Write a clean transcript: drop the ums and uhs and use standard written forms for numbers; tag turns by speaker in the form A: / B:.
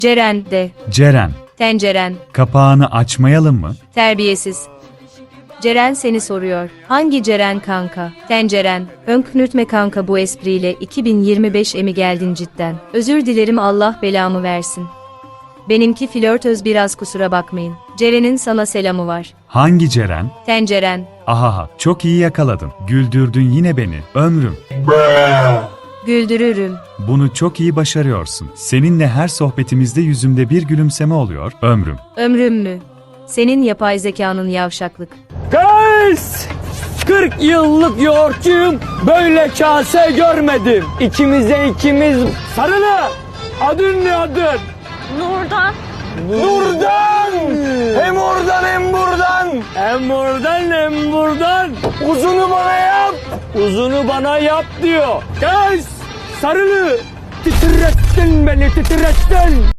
A: Ceren de.
B: Ceren,
A: Tenceren.
B: kapağını açmayalım mı?
A: Terbiyesiz. Ceren seni soruyor. Hangi Ceren kanka? Tenceren. Önknürtme kanka bu espriyle 2025 mi geldin cidden? Özür dilerim Allah belamı versin. Benimki flörtöz biraz kusura bakmayın. Ceren'in sana selamı var.
B: Hangi Ceren?
A: Tenceren.
B: Ahaha, çok iyi yakaladın. Güldürdün yine beni, ömrüm.
A: Güldürürüm.
B: Bunu çok iyi başarıyorsun. Seninle her sohbetimizde yüzümde bir gülümseme oluyor, ömrüm.
A: Ömrüm mü? Senin yapay zekanın yavşaklık.
C: Guys! 40 yıllık yoğurtçuyum, böyle kase görmedim. İkimize ikimiz sarılı. Adın ne adın?
D: Nurdan.
C: Nurdan! Hem oradan hem buradan. Hem oradan hem buradan. Uzunu bana yap. Uzunu bana yap diyor. Guys! Sarılı. Titrettin beni, titrettin.